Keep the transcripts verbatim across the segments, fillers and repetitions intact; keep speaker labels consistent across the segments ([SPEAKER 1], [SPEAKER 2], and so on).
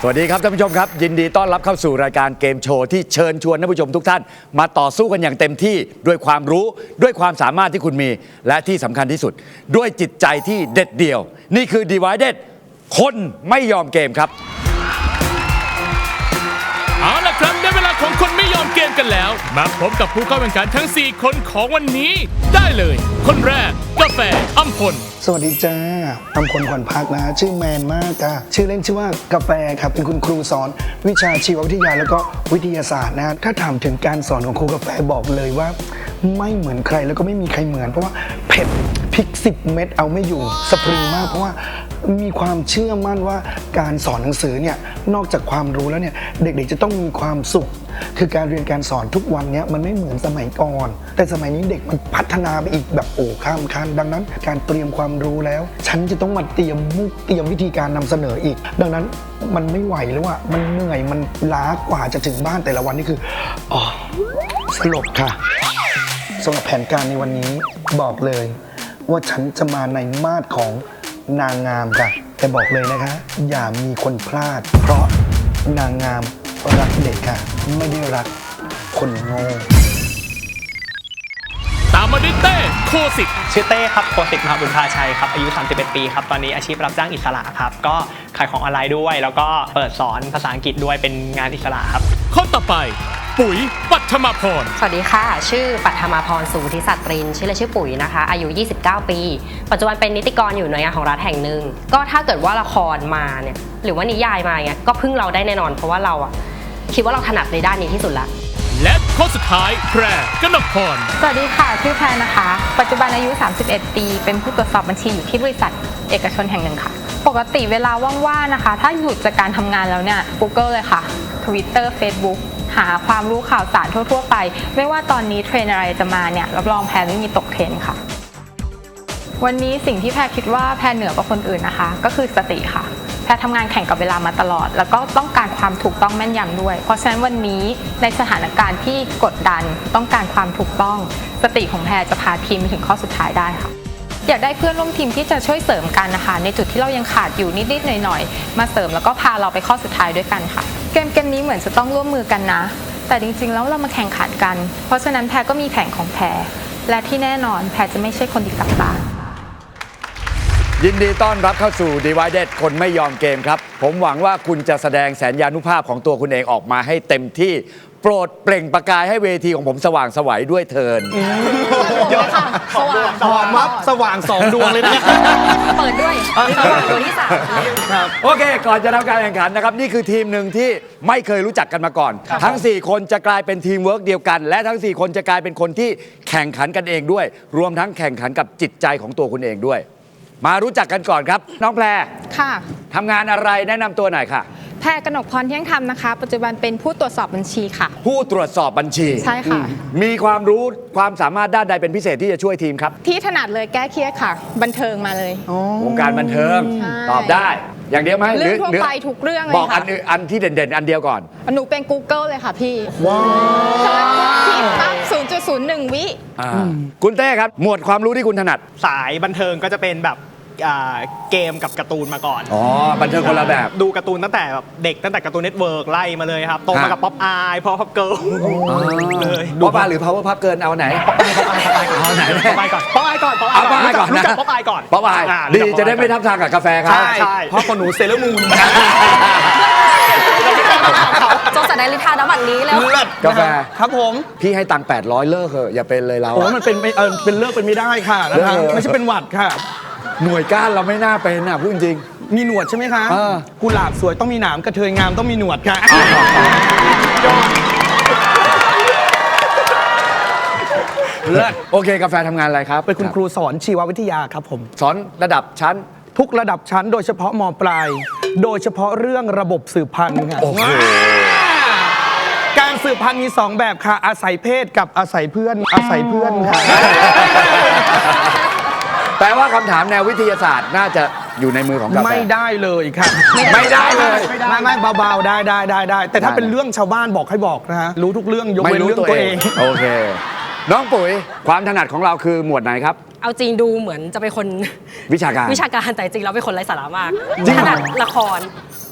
[SPEAKER 1] สวัสดีครับท่านผู้ชมครับยินดีต้อนรับเข้าสู่รายการเกมโชว์ที่เชิญชวนท่านผู้ชมทุกท่านมาต่อสู้กันอย่างเต็มที่ด้วยความรู้ด้วยความสามารถที่คุณมีและที่สำคัญที่สุดด้วยจิตใจที่เด็ดเดี่ยวนี่คือ Divided คนไม่ยอมเกมครับ
[SPEAKER 2] เอาล่ะครับได้เวลาของคนไม่ยอมเกมกันแล้วมาพบกับผู้เข้าแข่งขันทั้งสี่คนของวันนี้ได้เลยคนแรกกาแฟอัมพล
[SPEAKER 3] สวัสดีจ้าอัมพลขวัญพักนะชื่อแมนมากจ้าชื่อเล่นชื่อว่ากาแฟครับเป็นคุณครูสอนวิชาชีววิทยาแล้วก็วิทยาศาสตร์นะถ้าถามถึงการสอนของครูกาแฟบอกเลยว่าไม่เหมือนใครแล้วก็ไม่มีใครเหมือนเพราะว่าเผ็ดพริกสิบเม็ดเอาไม่อยู่สปริงมากเพราะว่ามีความเชื่อมั่นว่าการสอนหนังสือเนี่ยนอกจากความรู้แล้วเนี่ยเด็กๆจะต้องมีความสุขคือการเรียนการสอนทุกวันนี้มันไม่เหมือนสมัยก่อนแต่สมัยนี้เด็กมันพัฒนาไปอีกแบบโอ้ข้ามขั้นดังนั้นการเตรียมความรู้แล้วฉันจะต้องมาเตรียมมุกเตรียมวิธีการนำเสนออีกดังนั้นมันไม่ไหวแล้วว่ามันเหนื่อยมันล้ากว่าจะถึงบ้านแต่ละวันนี่คืออ๋อสลบค่ะสำหรับแผนการในวันนี้บอกเลยว่าฉันจะมาในมาดของนางงามค่ะแต่บอกเลยนะคะอย่ามีคนพลาดเพราะนางงามรักเด็กค่ะไม่ได้รักคนโง่
[SPEAKER 2] ตามมาด้วยเต้โคสิก
[SPEAKER 4] ชื่อเต้ครับโคสิกมหาบุญพาชัยครับอายุสามสิบเอ็ดปีครับตอนนี้อาชีพรับจ้างอิสระครับก็ขายของออนไลน์ด้วยแล้วก็เปิดสอนภาษาอังกฤษด้วยเป็นงานอิสระครับ
[SPEAKER 2] คนต่อไปปุ๋ยปัทมาพร
[SPEAKER 5] สวัสดีค่ะชื่อปัทมาพรสุทธิสัตรินชื่อเล่นชื่อปุ๋ยนะคะอายุยี่สิบเก้าปีปัจจุบันเป็นนิติกรอยู่หน่วยงานของรัฐแห่งหนึ่งก็ถ้าเกิดว่าละครมาเนี่ยหรือว่านิยายมาเงี้ยก็พึ่งเราได้แน่นอนเพราะว่าเราอะคิดว่าเราถนัดในด้านนี้ที่สุดละ
[SPEAKER 2] และข้อสุดท้ายแพรกนกพร
[SPEAKER 6] สวัสดีค่ะชื่อแพรนะคะปัจจุบันอายุสามสิบเอ็ดปีเป็นผู้ตรวจสอบบัญชีอยู่ที่บริษัทเอกชนแห่งหนึ่งค่ะปกติเวลาว่างๆนะคะถ้าหยุดจากการทำงานแล้วเนี่ย Google เลยค่ะ Twitter Facebook หาความรู้ข่าวสารทั่วๆไปไม่ว่าตอนนี้เทรนด์อะไรจะมาเนี่ยรับรองแพรไม่มีตกเทรนด์ค่ะวันนี้สิ่งที่แพรคิดว่าแพรเหนือกว่าคนอื่นนะคะก็คือสติค่ะแพรทำงานแข่งกับเวลามาตลอดแล้วก็ต้องการความถูกต้องแม่นยำด้วยเพราะฉะนั้นวันนี้ในสถานการณ์ที่กดดันต้องการความถูกต้องสติของแพรจะพาทีมไปถึงข้อสุดท้ายได้ค่ะอยากได้เพื่อนร่วมทีมที่จะช่วยเสริมกันนะคะในจุดที่เรายังขาดอยู่นิดๆหน่อยๆมาเสริมแล้วก็พาเราไปข้อสุดท้ายด้วยกันค่ะเกมเกมนี้เหมือนจะต้องร่วมมือกันนะแต่จริงๆแล้วเรามาแข่งขันกันเพราะฉะนั้นแพรก็มีแผนของแพรและที่แน่นอนแพรจะไม่ใช่คนดีกับตา
[SPEAKER 1] ยินดีต้อนรับเข้าสู่ Divided คนไม่ยอมเกมครับผมหวังว่าคุณจะแสดงแสนยานุภาพของตัวคุณเองออกมาให้เต็มที่โปรดเปล่งประกายให้เวทีของผมสว่างไสวด้วยเถิด
[SPEAKER 6] เยอะค่ะสว่าง
[SPEAKER 3] หอมมับสว่างสองดวงเลยนะ
[SPEAKER 5] เปิดด้วยสว่างตัวที่สาม
[SPEAKER 1] ครับโอเคก่อนจะทำการแข่งขันนะครับนี่คือทีมหนึ่งที่ไม่เคยรู้จักกันมาก่อนทั้งสี่คนจะกลายเป็นทีมเวิร์กเดียวกันและทั้งสี่คนจะกลายเป็นคนที่แข่งขันกันเองด้วยรวมทั้งแข่งขันกับจิตใจของตัวคุณเองด้วยมารู้จักกันก่อนครับน้องแพร
[SPEAKER 6] ค่ะ
[SPEAKER 1] ทำงานอะไรแนะนำตัวหน่อยค่ะ
[SPEAKER 6] แพรกนกพรเที่ยงธรรมนะคะปัจจุบันเป็นผู้ตรวจสอบบัญชีค่ะ
[SPEAKER 1] ผู้ตรวจสอบบัญชี
[SPEAKER 6] ใช่ค่ะ
[SPEAKER 1] มีความรู้ความสามารถด้านใดเป็นพิเศษที่จะช่วยทีมครับ
[SPEAKER 6] ที่ถนัดเลยแก้เครียดค่ะบันเทิงมาเลยว
[SPEAKER 1] งการบันเทิงตอบได้อย่างเดียวไหม
[SPEAKER 6] เรื่องทั่วไปทุกเรื่องเลย
[SPEAKER 1] บอกอันอันที่เด่นๆอันเดียวก่อน
[SPEAKER 6] หนูเป็น Google เลยค่ะพี่
[SPEAKER 1] ว้าว
[SPEAKER 6] ผิดปั๊บ ศูนย์จุดศูนย์หนึ่ง วิ
[SPEAKER 1] คุณเต้ครับหมวดความรู้ที่คุณถนัด
[SPEAKER 4] สายบันเทิงก็จะเป็นแบบเกมกับการ์ตูนมาก่อน
[SPEAKER 1] อ๋อบันเทิงคนละแบบ
[SPEAKER 4] ดูการ์ตูนตั้งแต่แบบเด็กตั้งแต่การ์ตูนเน็ตเวิร์กไล่มาเลยครับโตมากับป๊อปอายพอพับเกิร์ล
[SPEAKER 1] เลยป๊อปอายหรือ power pop เกินเอาไหนป๊อปอายป๊อปอาย
[SPEAKER 4] เอาไหนป๊อปอายก่อนป๊อปอายก่อนป๊อปอายก่อนรู้จักป๊อปอายก่อน
[SPEAKER 1] ป๊อปอายดีจะได้ไม่ทับทางกับกาแฟครับ
[SPEAKER 4] ใช่เพราะคนหนูเซเลอร์มูน
[SPEAKER 5] จงแสดงลิทาน้ำบัตรนี้แล้ว
[SPEAKER 1] กาแฟ
[SPEAKER 3] ครับผม
[SPEAKER 1] พี่ให้ตังค์แปดร้อยเลิกเถอะอย่าเป็นเลยเรา
[SPEAKER 3] โอ้มันเป็นเออเป็นเลิกเป็นไม่ได้ค่ะนะคะไม่ใช่เป็นหวัดค่ะ
[SPEAKER 1] หน่วยก้านเราไม่น่าเป็นอ่ะพูดจริง
[SPEAKER 3] มีหนวดใช่ไหมคะกุหลาบสวยต้องมีหนามกระเทยงามต้องมีหนวดค่ะ
[SPEAKER 1] เลิศโอเคกาแฟทำงานอะไรครับ
[SPEAKER 3] เป็นคุณครูสอนชีววิทยาครับผม
[SPEAKER 1] สอนระดับชั้น
[SPEAKER 3] ทุกระดับชั้นโดยเฉพาะม.ปลายโดยเฉพาะเรื่องระบบสืบพันธุ์ค่ะการสืบพันธุ์มีสองแบบค่ะอาศัยเพศกับอาศัยเพื่อนอาศัยเพื่อนค่ะ
[SPEAKER 1] แปลว่าคำถามแนววิทยาศาสตร์น่าจะอยู่ในมือของกาแฟ
[SPEAKER 3] ไม่ได้เลยครับ
[SPEAKER 1] ไม่ได้เลย
[SPEAKER 3] ไม่ไม่เบาๆได้ได้ได้ได้แต่ถ้าเป็นเรื่องชาวบ้านบอกให้บอกนะฮะรู้ทุกเรื่องยกเว้นเรื่องตัวเอง
[SPEAKER 1] โอเคน้องปุ๋ยความถนัดของเราคือหมวดไหนครับ
[SPEAKER 5] เอาจริงดูเหมือนจะเป็นคน
[SPEAKER 1] วิชาการ
[SPEAKER 5] วิชาการแต่จริงเราเป็นคนไร้สาระมากถนัดละคร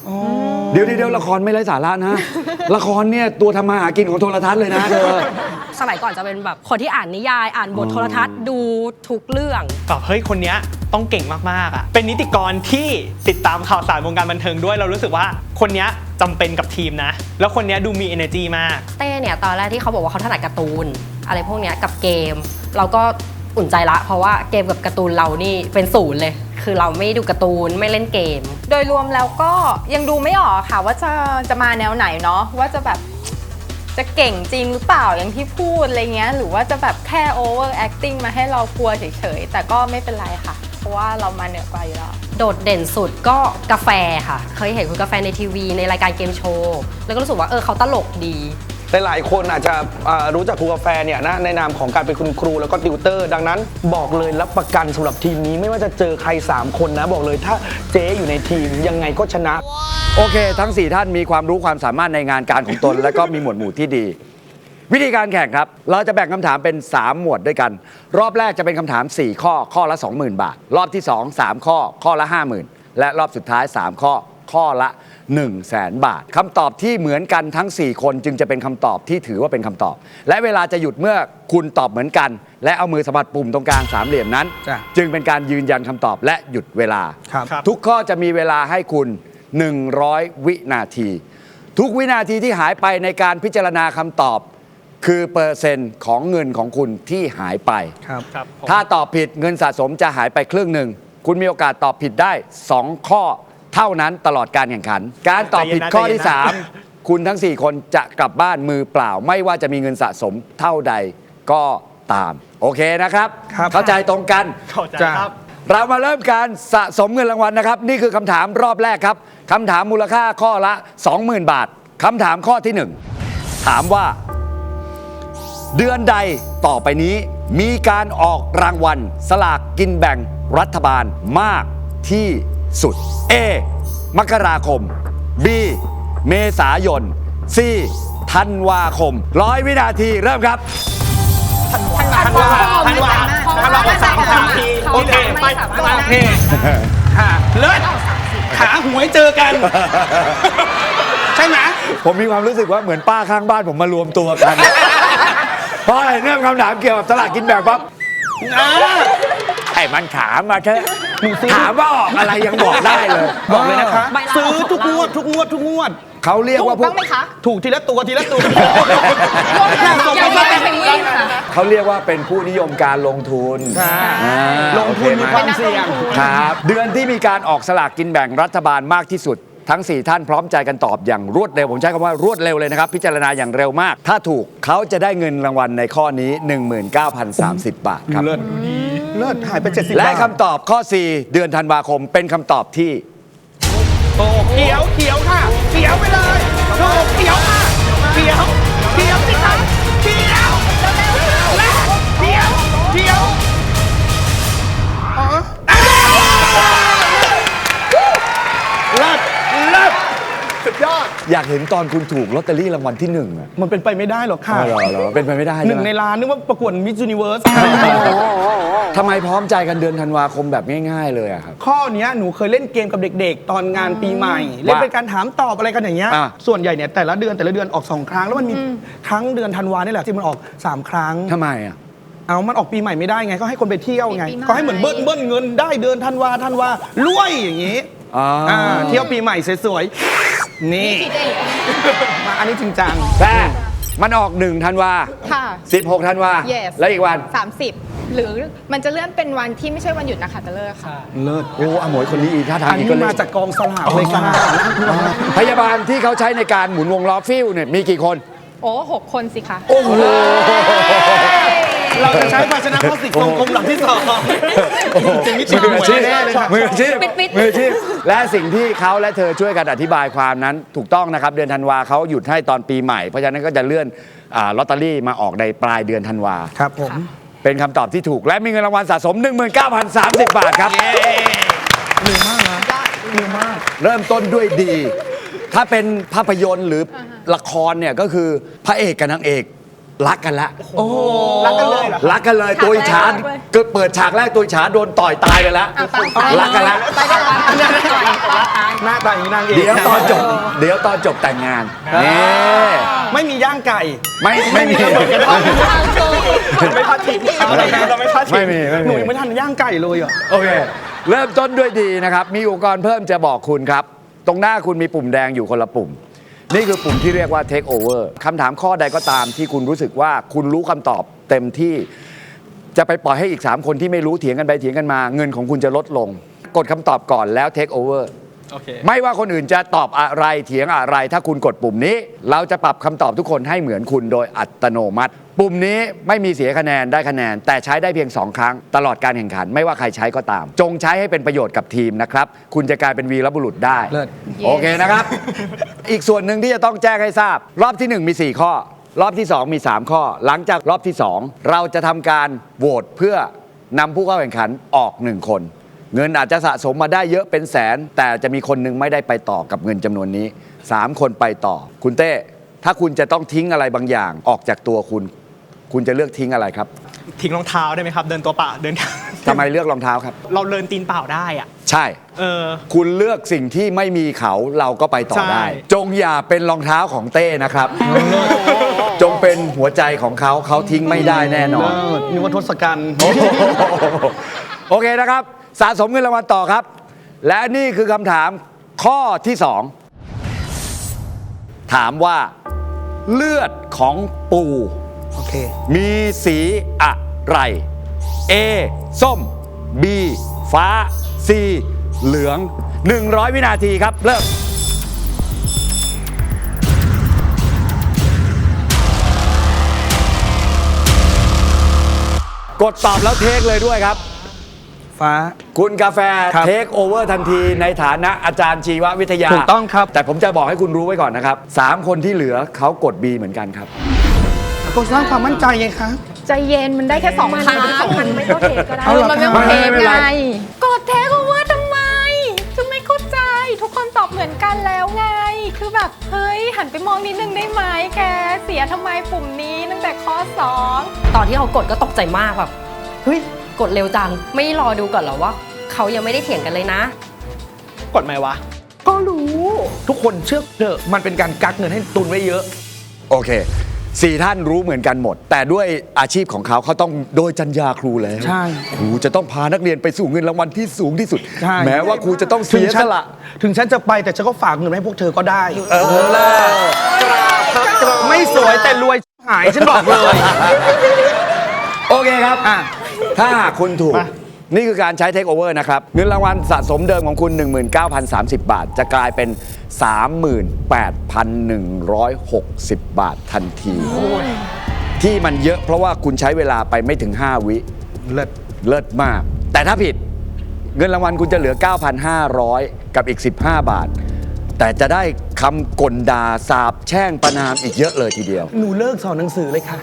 [SPEAKER 1] เดี๋ยวเดี๋ยวละครไม่ไร้สาระนะ ละครเนี่ยตัวทำมาหากินของโทรทัศน์เลยนะเธอ
[SPEAKER 5] สมัยก่อนจะเป็นแบบคนที่อ่านนิยายอ่านบทโทรทัศน์ดูทุกเรื่อง
[SPEAKER 4] แบบเฮ้ยคนเนี้ยต้องเก่งมากๆอ่ะเป็นนิติกรที่ติดตามข่าวสารวงการบันเทิงด้วยเรารู้สึกว่าคนเนี้ยจำเป็นกับทีมนะ แล้วคนเนี้ยดูมี energy มาก
[SPEAKER 5] เต้เนี่ยตอนแรกที่เขาบอกว่าเขาถนัดการ์ตูนอะไรพวกเนี้ยกับเกม เราก็อุ่นใจละเพราะว่าเกมกับการ์ตูนเรานี่เป็นศูนย์เลย คือเราไม่ดูการ์ตูนไม่เล่นเกม
[SPEAKER 6] โดยรวมแล้วก็ยังดูไม่ออกค่ะว่าจะจะมาแนวไหนเนาะว่าจะแบบจะเก่งจริงหรือเปล่าอย่างที่พูดอะไรเงี้ยหรือว่าจะแบบแค่ over acting มาให้เรากลัวเฉยๆแต่ก็ไม่เป็นไรค่ะ เพราะว่าเรามาเหนือกว่าอยู่แล้ว
[SPEAKER 5] โดดเด่นสุดก็กาแฟค่ะ เคยเห็นคุณกาแฟในทีวีในรายการเกมโชว์แล้วก็รู้สึกว่าเออเขาตลกดี
[SPEAKER 7] หลายๆคนอาจจะอ่ารู้จักครูกาแฟเนี่ยนะในนามของการเป็นคุณครูแล้วก็ติวเตอร์ ดังนั้นบอกเลยรับประกันสำหรับทีมนี้ไม่ว่าจะเจอใครสามคนนะบอกเลยถ้าเจ๊อยู่ในทีมยังไงก็ชนะ
[SPEAKER 1] โอเค ทั้งสี่ท่านมีความรู้ความสามารถในงานการของตน และก็มีหมวดหมู่ที่ดี วิธีการแข่งครับ เราจะแบ่งคำถามเป็นสามหมวดด้วยกัน รอบแรกจะเป็นคำถามสี่ข้อข้อละ สองหมื่น บาท รอบที่สองสามข้อข้อละ ห้าหมื่น และรอบสุดท้ายสามข้อข้อละ หนึ่งแสน บาทคำตอบที่เหมือนกันทั้งสี่คนจึงจะเป็นคำตอบที่ถือว่าเป็นคำตอบ และเวลาจะหยุดเมื่อคุณตอบเหมือนกัน และเอามือสัมผัสปุ่มตรงกลางสามเหลี่ยมนั้น
[SPEAKER 7] จ้ะ
[SPEAKER 1] จึงเป็นการยืนยันคำตอบและหยุดเวลา
[SPEAKER 7] ครับ
[SPEAKER 1] ทุกข้อจะมีเวลาให้คุณ หนึ่งร้อย วินาที ทุกวินาทีที่หายไปในการพิจารณาคำตอบ คือเปอร์เซ็นต์ของเงินของคุณที่หายไป
[SPEAKER 7] ครับ
[SPEAKER 4] ครับผม
[SPEAKER 1] ถ้าตอบผิดเงินสะสมจะหายไปครึ่งหนึ่ง คุณมีโอกาสตอบผิดได้ สอง ข้อเท่านั้นตลอดการแข่งขัน การตอบผิดข้อที่
[SPEAKER 4] ใจเย็นนะ
[SPEAKER 1] สาม คุณทั้ง สี่ คนจะกลับบ้านมือเปล่า ไม่ว่าจะมีเงินสะสมเท่าใดก็ตาม โอเคนะครับ
[SPEAKER 7] ครับ
[SPEAKER 1] เข้าใจตรงกัน
[SPEAKER 4] เข้าใจ
[SPEAKER 7] จ้ะ
[SPEAKER 4] ครับ
[SPEAKER 1] เรามาเริ่มการสะสมเงินรางวัลนะครับ นี่คือคำถามรอบแรกครับคำถามมูลค่าข้อละ สองหมื่น บาทคำถามข้อที่หนึ่งถามว่า เดือนใดต่อไปนี้มีการออกรางวัลสลากกินแบ่งรัฐบาลมากที่สุด A มกราคม B เมษายน C ธันวาคมร้อยวินาทีเริ่มครับ
[SPEAKER 4] ทันวาทันวาทันวาสามสามทีโอเคไปโอเค
[SPEAKER 7] ค่ะเลิศขาหวยเจอกัน ใช่ไหม
[SPEAKER 1] ผมมีความรู้สึกว่าเหมือนป้าข้างบ้านผมมารวมตัวกัน เพราะอะไรเนี่ยคำถามเกี่ยวกับสลากกินแบ่งปั๊บไอ้มันถามมาเถอะถามว่าออกอะไรยังบอกได้เลย
[SPEAKER 7] บอกเลยนะคะ
[SPEAKER 5] ใบลา
[SPEAKER 7] ซื้อ
[SPEAKER 5] ออก
[SPEAKER 7] ทุกงวดทุกงวดทุกงวด
[SPEAKER 1] เขาเรียกว่าพวก
[SPEAKER 7] ถูกทีละตัวทีละตัว
[SPEAKER 6] ยังไม่เป็นวิ่งค่ะ
[SPEAKER 1] เขาเรียกว่าเป็นผู้นิยมการลงทุน
[SPEAKER 7] ค่ะ
[SPEAKER 1] อ่า
[SPEAKER 7] ลงทุนมี
[SPEAKER 1] โอ
[SPEAKER 7] ควา
[SPEAKER 1] เไห
[SPEAKER 7] มเสี่ยง
[SPEAKER 1] ครับ เดือนที่มีการออกสลากกินแบ่งรัฐบาลมากที่สุด ทั้ง สี่ ท่านพร้อมใจกันตอบอย่างรวดเร็ว ผมใช้คำว่ารวดเร็วเลยนะครับ พิจารณาอย่างเร็วมาก ถ้าถูกเขาจะได้เงินรางวัลในข้อนี้ หนึ่งหมื่นเก้าพันสามสิบ บาทครับ
[SPEAKER 7] เลิศเลิศหายไปเจ็ดสิบ
[SPEAKER 1] และ
[SPEAKER 7] บาท
[SPEAKER 1] คำตอบข้อ สี่ เดือนธันวาคมเป็นคำตอบที่
[SPEAKER 7] โอ้เขียวเขียวค่ะเขียวไปเลยถูกเขียวค่ะเขียวเขียวสิคะเขียวและเขียวเขียวอ๋อเลิศเลิศสุดยอด
[SPEAKER 1] อยากเห็นตอนคุณถูกลอตเตอรี่รางวัลที่หนึ่งอะ
[SPEAKER 7] มันเป็นไปไม่ได้หรอกค่ะ
[SPEAKER 1] อ๋อเหรอเหรอเป็นไปไม่ได้
[SPEAKER 7] ห
[SPEAKER 1] ใช่
[SPEAKER 7] นึ่ง
[SPEAKER 1] ไหม
[SPEAKER 7] ในล้านนึกว่าประกวดมิส s u นิเวิร์ส
[SPEAKER 1] ทำไมพร้อมใจกันเดือนธันวาคมแบบง่าย ๆ เลยอะครับ
[SPEAKER 7] ข้อเนี้ยหนูเคยเล่นเกมกับเด็กๆ ตอนงานปีใหม่ เล่นเป็นการถามตอบอะไรกันอย่างเงี้ย
[SPEAKER 1] อ่ะ
[SPEAKER 7] ส่วนใหญ่เนี่ยแต่ละเดือนแต่ละเดือนออกสองครั้ง แล้วมันมีครั้งเดือนธันวานี่แหละที่มันออกสามครั้ง
[SPEAKER 1] ทำไมอะ
[SPEAKER 7] เอามันออกปีใหม่ไม่ได้ไง ก็ให้คนไปเที่ยวไง
[SPEAKER 6] ปีใหม่
[SPEAKER 7] ก็ให้เหมือนเบิ้ลเบิ้ลเงินได้เดือนธันวาธันวารวยอย่างงี้
[SPEAKER 1] อ๋ออ
[SPEAKER 7] อ่าเที่ยวปีใหม่สวยๆ นี่ มาอันนี้จริงจัง
[SPEAKER 1] แต่มันออกหนึ่งธันวา
[SPEAKER 6] ค่ะ
[SPEAKER 1] สิบหกธันวา
[SPEAKER 6] yes
[SPEAKER 1] แล้วอีกวัน
[SPEAKER 6] สามสิบหรือมันจะเลื่อนเป็นวันที่ไม่ใช่วันหยุดนะคะจะเลิกค่ะ
[SPEAKER 7] เลิศ
[SPEAKER 1] โอ้อมวยคนนี้อีกท่าทาง
[SPEAKER 7] อัน
[SPEAKER 1] อีก
[SPEAKER 7] นี้
[SPEAKER 1] ก็เลย
[SPEAKER 7] มาจากกองสลากเลยค่ะ
[SPEAKER 1] พยาบาลที่เขาใช้ในการหมุนวงล้อฟิวเนี่ยมีกี่คน
[SPEAKER 6] โอ้หกคนสิคะ
[SPEAKER 1] โอ้โห
[SPEAKER 7] เราจะใช้ภาชนะพลาสติกทรงกลมหลังที่สองจริงๆนี่จริง
[SPEAKER 1] มืออาชีพ
[SPEAKER 7] แน่เลยค่ะ
[SPEAKER 1] มืออาชีพ
[SPEAKER 5] ปิดๆ
[SPEAKER 1] มืออาชีพและสิ่งที่เขาและเธอช่วยกันอธิบายความนั้นถูกต้องนะครับ เดือนธันวาเขาหยุดให้ตอนปีใหม่ เพราะฉะนั้นก็จะเลื่อนอ่าลอตเตอรี่มาออกในปลายเดือนธันวา
[SPEAKER 7] ครับผม
[SPEAKER 1] เป็นคำตอบที่ถูกและมีเงินรางวัลสะสม หนึ่งหมื่นเก้าพันสามสิบ บาทครับ
[SPEAKER 7] เร็วมากนะเร็วมาก
[SPEAKER 1] เริ่มต้นด้วยดี ถ้าเป็นภาพยนตร์หรือละครเนี่ยก็คือพระเอกกับนางเอกรักกันละ
[SPEAKER 7] รักกันเลยเหรอ
[SPEAKER 1] รักกันเลยตัวอิจฉาก็เปิดฉากแรกตัวอิจฉาโดนต่อยตายไปแล้วรักกันละ
[SPEAKER 7] หน้าตาอย่างนี้นางเอก
[SPEAKER 1] เดี๋ยวตอนจบเดี๋ยวตอนจบแต่งงานนี่
[SPEAKER 7] ไม่มีย่างไก่
[SPEAKER 1] ไม่ไม่มี
[SPEAKER 7] ไม่พลาดทิ้งเราไม่พลาดทิ้ง
[SPEAKER 1] ไม่มีไม่มี
[SPEAKER 7] หนูยังไม่ทันย่างไก่เลยอ่ะ
[SPEAKER 1] โอเค เริ่มต้นด้วยดีนะครับ มีอุปกรณ์เพิ่มจะบอกคุณครับ ตรงหน้าคุณมีปุ่มแดงอยู่คนละปุ่ม นี่คือปุ่มที่เรียกว่า take over คำถามข้อใดก็ตามที่คุณรู้สึกว่าคุณรู้คำตอบเต็มที่ จะไปปล่อยให้อีก สาม คนที่ไม่รู้เถียงกันไปเถียงกันมา เงินของคุณจะลดลง กดคำตอบก่อนแล้ว take over
[SPEAKER 4] โอเค
[SPEAKER 1] ไม่ว่าคนอื่นจะตอบอะไรเถียงอะไร ถ้าคุณกดปุ่มนี้ เราจะปรับคำตอบทุกคนให้เหมือนคุณโดยอัตโนมัติ ปุ่มนี้ไม่มีเสียคะแนนได้คะแนน แต่ใช้ได้เพียงสองครั้งตลอดการแข่งขัน ไม่ว่าใครใช้ก็ตาม จงใช้ให้เป็นประโยชน์กับทีมนะครับคุณจะกลายเป็นวีรบุรุษได้
[SPEAKER 3] เลิศ
[SPEAKER 1] โอเคนะครับ อีกส่วนหนึ่งที่จะต้องแจ้งให้ทราบ รอบที่หนึ่งมีสี่ข้อ รอบที่สองมีสามข้อ หลังจากรอบที่สองเราจะทำการโหวตเพื่อนำผู้เข้าแข่งขันออกหนึ่งคน เงินอาจจะสะสมมาได้เยอะเป็นแสน แต่จะมีคนหนึงไม่ได้ไปต่อกับเงินจำนวนนี้สามคนไปต่อ คุณเต้ถ้าคุณจะต้องทิ้งอะไรบางอย่างออกจากตัวคุณ คุณจะเลือกทิ้งอะไรครับ
[SPEAKER 4] ทิ้งรองเท้าได้ไหมครับ เดินตัวเปล่าเดิน
[SPEAKER 1] ทำไมเลือกรองเท้าครับ
[SPEAKER 4] เราเดินตีนเปล่าได้อ่ะ
[SPEAKER 1] ใช่
[SPEAKER 4] เออ
[SPEAKER 1] คุณเลือกสิ่งที่ไม่มีเขาเราก็ไปต่อได้
[SPEAKER 4] ใช่
[SPEAKER 1] จงอย่าเป็นรองเท้าของเต้นะครับ จงเป็นหัวใจของเขาเขาทิ้งไม่ได้แน่นอน
[SPEAKER 7] นึกว่าทศกัณฐ์
[SPEAKER 1] โอเคนะครับ สะสมเงินรางวัลต่อครับ และนี่คือคำถามข้อที่สองถามว่าเลือดของปู
[SPEAKER 3] โอเค
[SPEAKER 1] มีสีอะไร A ส้ม B ฟ้า C เหลือง หนึ่งร้อย วินาทีครับ เริ่ม กดตอบแล้วเทคเลยด้วยครับ
[SPEAKER 3] ฟ้า
[SPEAKER 1] คุณกาแฟ
[SPEAKER 3] ครับ
[SPEAKER 1] เทคโอเวอร์ทันทีในฐานะอาจารย์ชีววิทยา
[SPEAKER 3] ถูกต้องครับ
[SPEAKER 1] แต่ผมจะบอกให้คุณรู้ไว้ก่อนนะครับสามคนที่เหลือเขากด B เหมือนกันครับ
[SPEAKER 3] ก็สร้างความมั่นใจไงคะ
[SPEAKER 6] ใจเย็นมันได้แค่สองครั้งมันไม่ต้องเทก็ได้
[SPEAKER 3] เอาเหรอ
[SPEAKER 6] มันไม่
[SPEAKER 3] ครับ
[SPEAKER 6] ต้องเท
[SPEAKER 1] ไม่เป็นไร
[SPEAKER 6] ไงกดเทคโอเวอร์ทำไมคือไม่เข้าใจ ทุกคนตอบเหมือนกันแล้วไง คือแบบ เฮ้ย หันไปมองนิดนึงได้ไหมแก เสียทำไมปุ่มนี้ตั้งแต่ข้อสอง
[SPEAKER 5] ตอนที่เขากดก็ตกใจมากแบบเฮ้ยกดเร็วจังไม่รอดูก่อนเหรอว่าเขายังไม่ได้เถียงกันเลยนะ
[SPEAKER 4] กดไหมวะ
[SPEAKER 3] ก็รู้ ทุกคนเชื่อเถอะมันเป็นการกักเงินให้ตุนไว้เยอะ
[SPEAKER 1] โอเคสี่ท่านรู้เหมือนกันหมด แต่ด้วยอาชีพของเขาเขาต้องโดยจรรยาครูแล้ว
[SPEAKER 3] ใช่
[SPEAKER 1] ครูจะต้องพานักเรียนไปสู่เงินรางวัลที่สูงที่สุด
[SPEAKER 3] ใช่
[SPEAKER 1] แม้ว่าครูจะต้อง
[SPEAKER 3] ถึ
[SPEAKER 1] เสี
[SPEAKER 3] ง
[SPEAKER 1] ย
[SPEAKER 3] ฉั
[SPEAKER 1] ส
[SPEAKER 3] น
[SPEAKER 1] ละ
[SPEAKER 3] ถึงฉันจะไปแต่ฉันก็ฝากเงินไว้ให้พวกเธอก็ได้
[SPEAKER 1] เออล่ะ
[SPEAKER 3] ไม่สวยแต่รวยหายฉันบอกเลย
[SPEAKER 1] โอเคครับ
[SPEAKER 3] อ่ะ
[SPEAKER 1] ถ้าหากคุณถูก นี่คือการใช้เทคโอเวอร์นะครับ เงินรางวัลสะสมเดิมของคุณ หนึ่งหมื่นเก้าพันสามสิบ บาท จะกลายเป็น สามหมื่นแปดพันหนึ่งร้อยหกสิบ บาททันที ที่มันเยอะเพราะว่าคุณใช้เวลาไปไม่ถึง ห้า วิ
[SPEAKER 3] เลิศ
[SPEAKER 1] เลิศมาก แต่ถ้าผิดเงินรางวัลคุณจะเหลือ เก้าพันห้าร้อย กับอีก สิบห้า บาท แต่จะได้คำกลด่าสาบแช่งประนามอีกเยอะเลยทีเดียว
[SPEAKER 3] หนูเลิกสอนหนังสือเลยค่ะ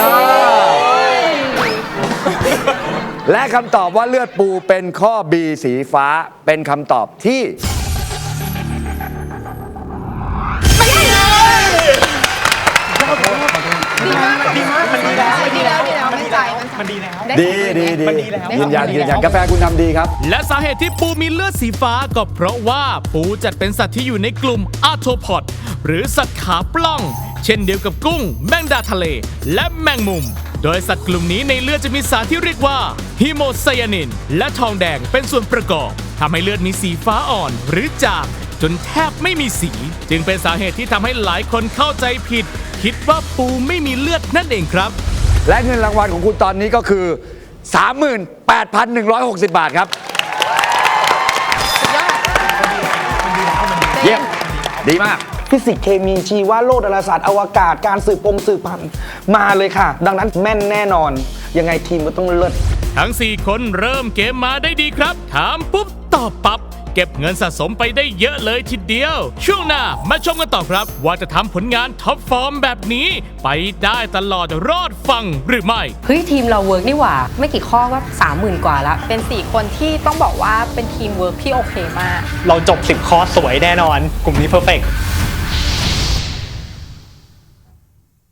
[SPEAKER 1] และคำตอบว่าเลือดปูเป็นข้อ B สีฟ้าเป็นคำตอบที่ ดีดีดียืนยันยืนยันกาแฟคุณทำดีครับ
[SPEAKER 2] และสาเหตุที่ปูมีเลือดสีฟ้าก็เพราะว่าปูจัดเป็นสัตว์ที่อยู่ในกลุ่มอาร์โทพอดหรือสัตว์ขาปล้อง เช่นเดียวกับกุ้ง แมงดาทะเล และแมงมุม โดยสัตว์กลุ่มนี้ในเลือดจะมีสารที่เรียกว่าฮีโมไซยานิน และทองแดงเป็นส่วนประกอบทำให้เลือดมีสีฟ้าอ่อนหรือจางจนแทบไม่มีสี จึงเป็นสาเหตุที่ทำให้หลายคนเข้าใจผิด คิดว่าปูไม่มีเลือดนั่นเองครับ
[SPEAKER 1] และเงินรางวัลของคุณตอนนี้ก็คือ สามหมื่นแปดพันหนึ่งร้อยหกสิบ บาทครับ เยี่ยมดีมาก
[SPEAKER 3] ฟิสิกส์เคมีชีวะโลกดาราศาสตร์อวกาศการสืบปงสืบพันธุ์มาเลยค่ะ ดังนั้นแม่นแน่นอน ยังไงทีมก็ต้องเลิศ
[SPEAKER 2] ทั้ง สี่ คนเริ่มเกมมาได้ดีครับ ถามปุ๊บ ตอบปั๊บ เก็บเงินสะสมไปได้เยอะเลยทีเดียว ช่วงหน้ามาชมกันต่อครับ ว่าจะทำผลงานท็อปฟอร์มแบบนี้ ไปได้ตลอดรอดฟังหรือไม่
[SPEAKER 5] เฮ้ยทีมเราเวิร์กนี่หว่า ไม่กี่ข้อก็สามหมื่นกว่าแล้ว
[SPEAKER 6] เป็นสี่คนที่ต้องบอกว่าเป็นทีมเวิร์กที่โอเคมาก
[SPEAKER 4] เราจบสิบข้อสวยแน่นอน กลุ่มนี้เพอร์เฟกต์